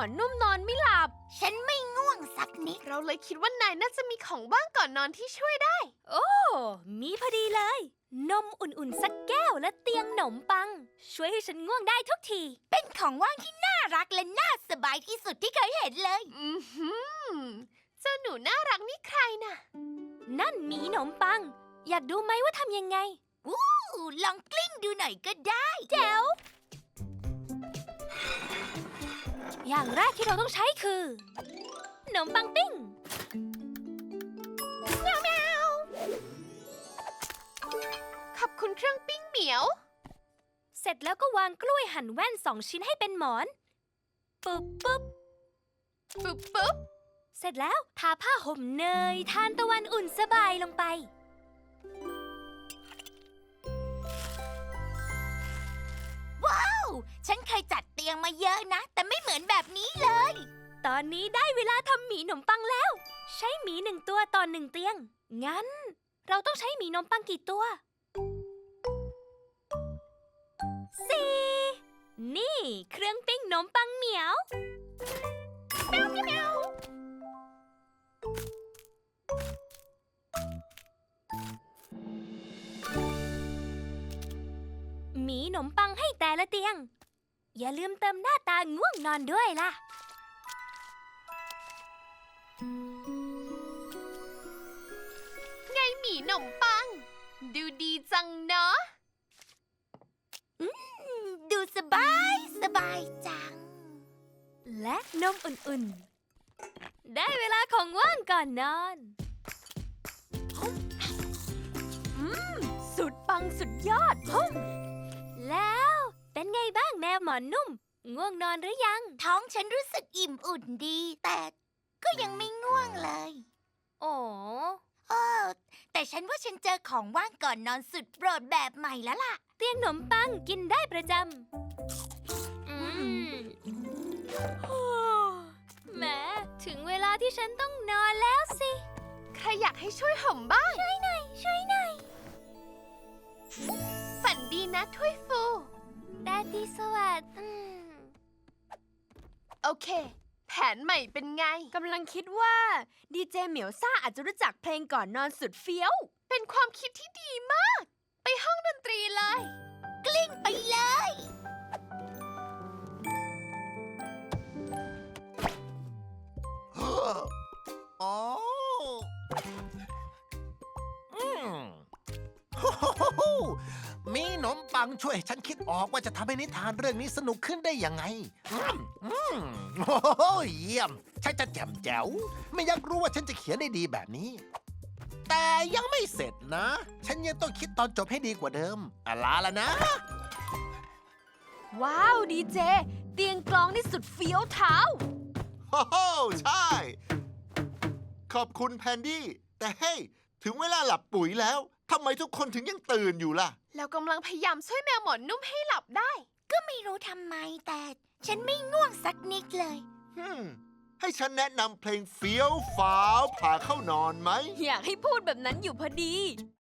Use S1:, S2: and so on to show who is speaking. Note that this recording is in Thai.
S1: อนนุ่มนอนไม่หลับ
S2: ฉันไม่ง่วงสักนิด
S3: เราเลยคิดว่านายน่าจะมีของว่างก่อนนอนที่ช่วยได้
S1: โอ้มีพอดีเลยนมอุ่นๆสักแก้วและเตียงหนมปังช่วยให้ฉันง่วงได้ทุกที
S2: เป็นของว่างที่น่ารักและน่าสบายที่สุดที่เคยเห็นเลย
S3: เจ้าหนูน่ารักนี่ใครน่ะ
S1: นั่นหมีหนมปังอยากดูไหมว่าทำยังไง
S2: ลองกลิ้งดูหน่อยก็ได้
S1: แจ๋วอย่างแรกที่เราต้องใช้คือขนมปังปิ้ง
S3: แมวขอบคุณเครื่องปิ้งเหมียว
S1: เสร็จแล้วก็วางกล้วยหั่นแว่น2 ชิ้นให้เป็นหมอนปุ๊บปุ๊บ
S3: ปุ๊บปุ๊บ
S1: เสร็จแล้วทาผ้าห่มเนยทานตะวันอุ่นสบายลงไป
S2: ว้าวฉันเคยจัดเตียงมาเยอะนะแต่ไม่เหมือนแบบนี้เลย
S1: ตอนนี้ได้เวลาทำหมีหนมปังแล้วใช้หมี1 ตัวต่อ1 เตียงงั้นเราต้องใช้หมีหนมปังกี่ตัว4นี่เครื่องปิ้งหนมปังเหมียว
S3: แมวแมว
S1: หมีหนมปังให้แต่ละเตียงอย่าลืมเติมหน้าตาง่วงนอนด้วยล่ะ
S3: ไงหมีหนมปังดูดีจังเนาะ
S2: ดูสบายจัง
S1: และนมอุ่นๆได้เวลาของว่างก่อนนอนสุดปังสุดยอดแล้วเป็นไงบ้างแมวหมอนนุ่มง่วงนอนหรือยัง
S2: ท้องฉันรู้สึกอิ่มอุ่นดีแต่ก็ยังไม่ง่วงเลย
S1: โอ้
S2: แต่ฉันว่าฉันเจอของว่างก่อนนอนสุดโปรดแบบใหม่แล้วล่ะ
S1: เตียงขนมปังกินได้ประจำแหมถึงเวลาที่ฉันต้องนอนแล้วสิ
S3: ใครอยากให้ช่วยห่มบ้าง
S1: ช่วยหน่อย
S3: ฝันดีนะถ้วยฟู
S1: ราตรีสวัสดิ์
S3: โอเคแผนใหม่เป็นไง
S1: กำลังคิดว่าดีเจเหมียวซ่าอาจจะรู้จักเพลงก่อนนอนสุดเฟี้ยว
S3: เป็นความคิดที่ดีมากไปห้องดนตรีเลย
S2: กลิ้งไปเลย
S4: อ๋อมีขนมปังช่วยฉันคิดออกว่าจะทำให้นิทานเรื่องนี้สนุกขึ้นได้ยังไงโอ้โหเยี่ยมฉันจะแจ่มแจ๋วไม่อยากรู้ว่าฉันจะเขียนได้ดีแบบนี้แต่ยังไม่เสร็จนะฉันยังต้องคิดตอนจบให้ดีกว่าเดิมลาละนะ
S1: ว้าวดีเจเตียงกลองนี่สุดเฟี้ยวเท้า
S5: โอ้โหใช่ขอบคุณแพนดี้แต่เฮ้ยถึงเวลาหลับปุ๋ยแล้วทำไมทุกคนถึงยังตื่นอยู่ล่ะ
S3: เรากำลังพยายามช่วยแมวหมอนนุ่มให้หลับได้
S2: ก็ไม่รู้ทำไมแต่ฉันไม่ง่วงสักนิดเลย
S5: ให้ฉันแนะนำเพลงเฟี้ยวฟ้าวพาเข้านอนไหม
S1: อยากให้พูดแบบนั้นอยู่พอดี